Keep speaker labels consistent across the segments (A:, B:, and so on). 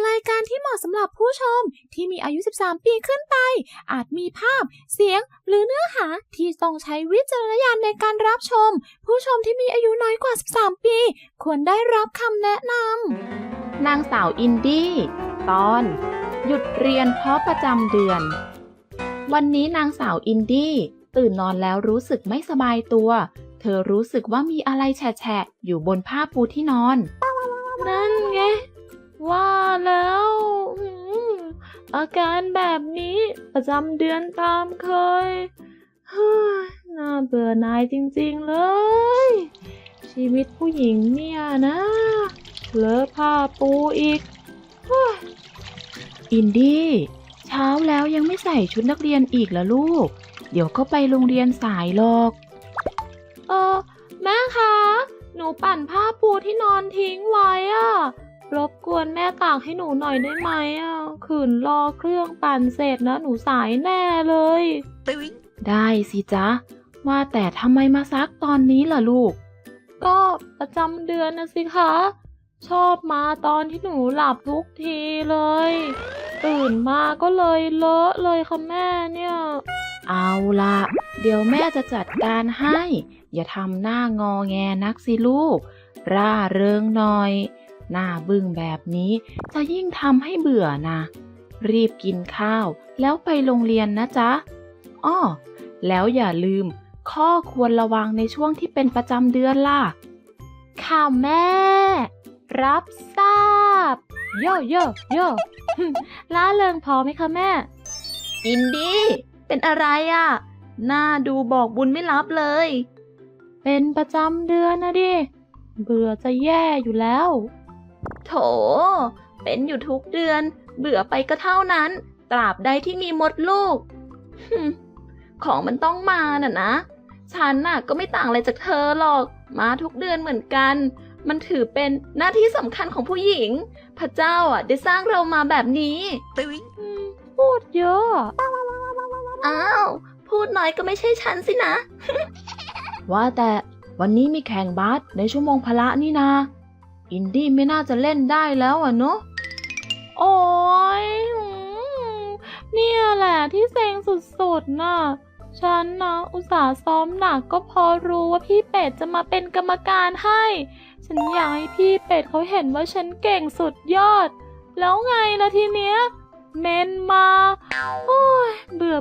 A: รายการที่เหมาะสำหรับผู้ชมที่มีอายุ 13 ปีขึ้นไปอาจมีภาพเสียงหรือเนื้อหาที่ต้องใช้วิจารณญาณในการรับชมผู้ชมที่มีอายุน้อยกว่า 13 ปีควรได้รับคำแนะน
B: ำนางสาวอินดี้ตอนหยุดเรียนเพราะประจำเดือนวันนี้นางสาวอินดี้ตื่นนอนแล้วรู้สึกไม่สบายตัวเธอรู้สึกว่ามีอะไรแฉะๆอยู่บนผ้าปูที่นอน
A: นั่นไงว่าแล้วอาการแบบนี้ประจำเดือนตามเคยน่าเบื่อหน่ายจริงๆเลยชีวิตผู้หญิงเนี่ยนะเลอะผ้าปูอีก
B: อินดี้เช้าแล้วยังไม่ใส่ชุดนักเรียนอีกเหรอลูกเดี๋ยวก็ไปโรงเรียนสายหรอก
A: แม่คะหนูปั่นผ้าปูที่นอนทิ้งไว้รบกวนแม่ตากให้หนูหน่อยได้ไหมขืนรอเครื่องปั่นเสร็จนะหนูสายแน่เลย
B: ได้สิจ๊ะว่าแต่ทำไมมาซักตอนนี้ล่ะลูก
A: ก็ประจำเดือนนะสิคะชอบมาตอนที่หนูหลับทุกทีเลยตื่นมาก็เลยเลอะเลยค่ะแม่เนี่ย
B: เอาล่ะเดี๋ยวแม่จะจัดการให้อย่าทำหน้างอแงนักสิลูกร่าเริงหน่อยหน้าบึ้งแบบนี้จะยิ่งทำให้เบื่อนะรีบกินข้าวแล้วไปโรงเรียนนะจ๊ะอ้อแล้วอย่าลืมข้อควรระวังในช่วงที่เป็นประจำเดือนล่ะ
A: ค่ะแม่รับทราบโย่โย่โย่ล่าเริงพอไหมคะแม่
B: อินดี้เป็นอะไรหน้าดูบอกบุญไม่รับเลย
A: เป็นประจำเดือนนะดิเบื่อจะแย่อยู่แล้ว
B: โถเป็นอยู่ทุกเดือนเบื่อไปก็เท่านั้นตราบใดที่มีมดลูกของมันต้องมานะฉันก็ไม่ต่างอะไรจากเธอหรอกมาทุกเดือนเหมือนกันมันถือเป็นหน้าที่สำคัญของผู้หญิงพระเจ้าได้สร้างเรามาแบบนี้
A: พูดเยอะ
B: อ้าวพูดน้อยก็ไม่ใช่ฉันสินะ ว่าแต่วันนี้มีแข่งบาสในชั่วโมงพละนี่นาอินดี้ไม่น่าจะเล่นได้แล้วเนอะ
A: โอ้ยเนี่ยแหละที่เซ็งสุดๆน่ะฉันนะอุตส่าห์ซ้อมหนักก็พอรู้ว่าพี่เป็ดจะมาเป็นกรรมการให้ฉันอยากให้พี่เป็ดเขาเห็นว่าฉันเก่งสุดยอดแล้วไงล่ะทีเนี้ยเมนมาโอ้ยเบื่อ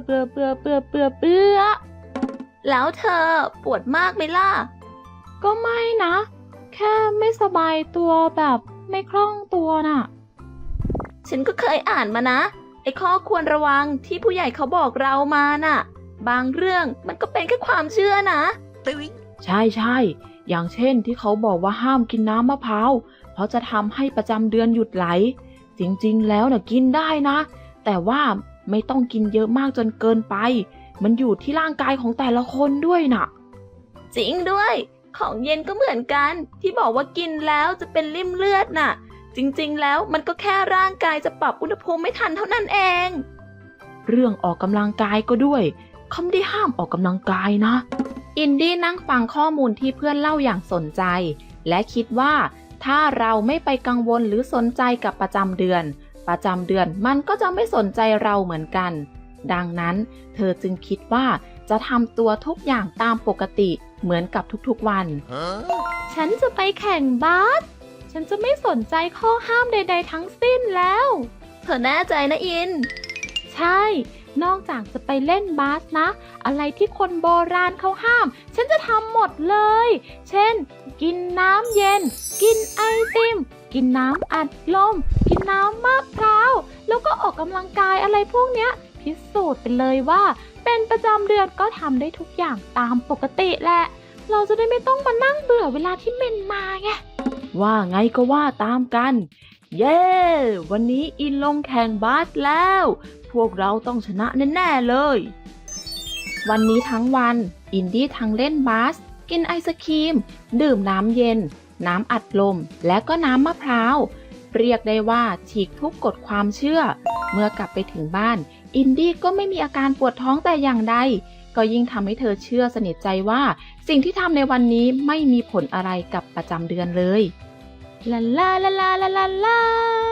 B: แล้วเธอปวดมากไหมล่ะ
A: ก็ไม่นะแค่ไม่สบายตัวแบบไม่คล่องตัวน่ะ
B: ฉันก็เคยอ่านมานะไอ้ข้อควรระวังที่ผู้ใหญ่เขาบอกเรามาน่ะบางเรื่องมันก็เป็นแค่ความเชื่อนะใช่อย่างเช่นที่เขาบอกว่าห้ามกินน้ำมะพร้าวเพราะจะทำให้ประจำเดือนหยุดไหลจริงๆแล้วกินได้นะแต่ว่าไม่ต้องกินเยอะมากจนเกินไปมันอยู่ที่ร่างกายของแต่ละคนด้วยน่ะจริงด้วยของเย็นก็เหมือนกันที่บอกว่ากินแล้วจะเป็นริ่มเลือดน่ะจริงๆแล้วมันก็แค่ร่างกายจะปรับอุณหภูมิไม่ทันเท่านั้นเองเรื่องออกกำลังกายก็ด้วยเขาไม่ได้ห้ามออกกำลังกายนะอินดี้นั่งฟังข้อมูลที่เพื่อนเล่าอย่างสนใจและคิดว่าถ้าเราไม่ไปกังวลหรือสนใจกับประจำเดือนมันก็จะไม่สนใจเราเหมือนกันดังนั้นเธอจึงคิดว่าจะทำตัวทุกอย่างตามปกติเหมือนกับทุกๆวัน
A: ฉันจะไปแข่งบาสฉันจะไม่สนใจข้อห้ามใดๆทั้งสิ้นแล้ว
B: เธอแน่ใจนะอิน
A: ใช่นอกจากจะไปเล่นบาสนะอะไรที่คนโบราณเขาห้ามฉันจะทำหมดเลยเช่นกินน้ำเย็นกินไอติมกินน้ำอัดลมกินน้ำมะพร้าวแล้วก็ออกกำลังกายอะไรพวกเนี้ยพิสูจน์ไปเลยว่าเป็นประจำเดือนก็ทำได้ทุกอย่างตามปกติแหละเราจะได้ไม่ต้องมานั่งเบื่อเวลาที่เมนมาไง
B: ว่าไงก็ว่าตามกันเย้วันนี้อินลงแข่งบาสแล้วพวกเราต้องชนะแน่ๆเลยวันนี้ทั้งวันอินดี้ทั้งเล่นบาสกินไอศกรีมดื่มน้ำเย็นน้ำอัดลมและก็น้ำมะพร้าวเรียกได้ว่าฉีกทุกกฎความเชื่อเมื่อกลับไปถึงบ้านอินดี้ก็ไม่มีอาการปวดท้องแต่อย่างใดก็ยิ่งทำให้เธอเชื่อสนิทใจว่าสิ่งที่ทำในวันนี้ไม่มีผลอะไรกับประจำเดือนเลย
A: ลาลาลาลาลาลาลา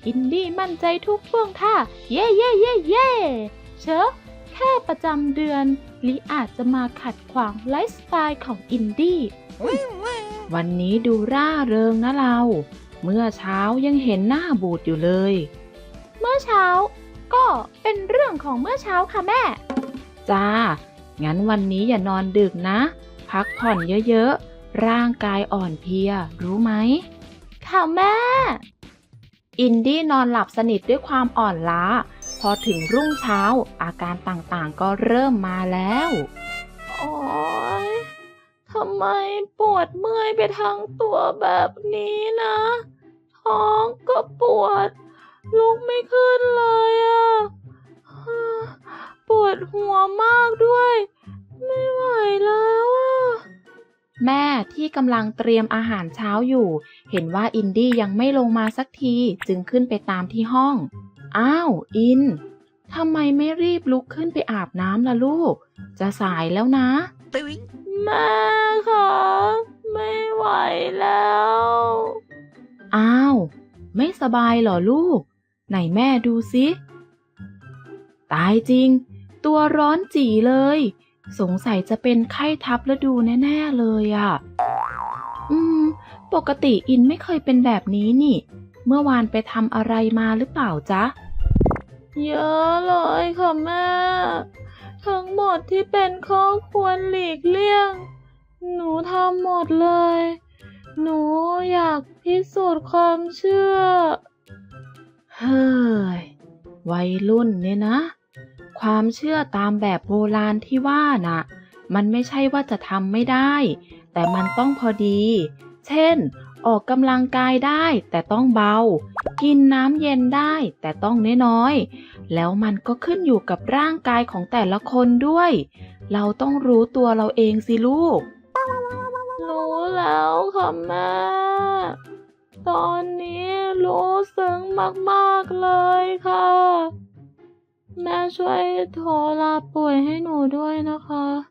A: อินดี้มั่นใจทุกท่วงท่า เย่เย่เย่เย่เชอะแค่ประจำเดือนลิอาจจะมาขัดขวางไลฟ์สไตล์ของอินดี้วันนี้ดูร่าเริงนะเรา เมื่อเช้ายังเห็นหน้าบูดอยู่เลย
B: เมื่อเช้าก็เป็นเรื่องของเมื่อเช้าค่ะแม่
A: จ้า งั้นวันนี้อย่านอนดึกนะ พักผ่อนเยอะๆ ร่างกายอ่อนเพลีย รู้ไหม
B: ค่ะแม่
A: อินดี้นอนหลับสนิทด้วยความอ่อนล้า พอถึงรุ่งเช้าอาการต่างๆก็เริ่มมาแล้ว
B: โอ๊ยทำไมปวดเมื่อยไปทั้งตัวแบบนี้นะ ท้องก็ปวด ลุกไม่ขึ้นเลยอ่ะ ปวดหัวมากด้วย ไม่ไหวแล้วอ่ะ
A: แม่ที่กำลังเตรียมอาหารเช้าอยู่ เห็นว่าอินดี้ยังไม่ลงมาสักทีจึงขึ้นไปตามที่ห้อง อ้าว อิน ทำไมไม่รีบลุกขึ้นไปอาบน้ำล่ะลูก จะสายแล้วนะ
B: แม่คะไม่ไหวแล้ว
A: อ้าว ไม่สบายเหรอลูก ไหนแม่ดูสิตายจริง ตัวร้อนจี่เลย สงสัยจะเป็นไข้ทับฤดูแน่ๆเลยอ่ะ ปกติอินไม่เคยเป็นแบบนี้นี่ เมื่อวานไปทำอะไรมาหรือเปล่าจ๊ะ
B: เยอะเลยค่ะแม่ ทั้งหมดที่เป็นข้อควรหลีกเลี่ยง หนูทำหมดเลย หนูอยากพิสูจน์ความเชื่อ
A: เฮ้ย วัยรุ่นเนี่ยนะ ความเชื่อตามแบบโบราณที่ว่าน่ะ มันไม่ใช่ว่าจะทำไม่ได้ แต่มันต้องพอดี เช่น ออกกำลังกายได้แต่ต้องเบา กินน้ำเย็นได้แต่ต้องน้อยๆ แล้วมันก็ขึ้นอยู่กับร่างกายของแต่ละคนด้วย เราต้องรู้ตัวเราเองสิลูก
B: รู้แล้วค่ะแม่ ตอนนี้รู้ซึ้งมากๆเลยค่ะ แม่ช่วยโทรลาป่วยให้หนูด้วยนะคะ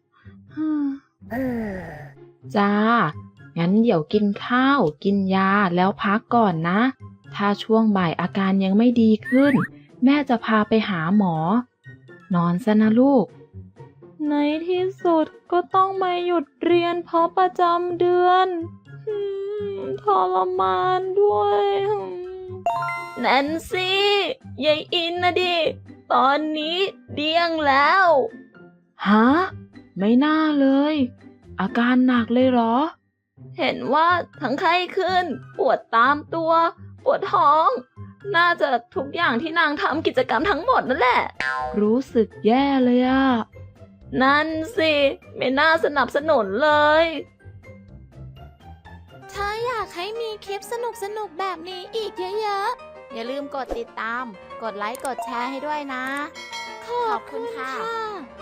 A: จ้า งั้นเดี๋ยวกินข้าว กินยาแล้วพักก่อนนะ ถ้าช่วงบ่ายอาการยังไม่ดีขึ้น แม่จะพาไปหาหมอ นอนซะนะลูก
B: ในที่สุดก็ต้องมาหยุดเรียนเพราะประจำเดือนทรมานด้วยแนนซี่ยายอินนะดิ ตอนนี้เดี้ยงแล้ว
A: ฮะ ไม่น่าเลย อาการหนักเลยเหรอ
B: เห็นว่าทั้งไข้ขึ้น ปวดตามตัว ปวดท้อง น่าจะทุกอย่างที่นางทำกิจกรรมทั้งหมดนั่นแหละ
A: รู้สึกแย่เลยอะ
B: นั่นสิไม่น่าสนับสนุนเลย
C: ถ้าอยากให้มีคลิปสนุกๆแบบนี้อีกเยอะๆ อย่าลืมกดติดตาม กดไลค์ กดแชร์ให้ด้วยนะ ขอบคุณค่ะ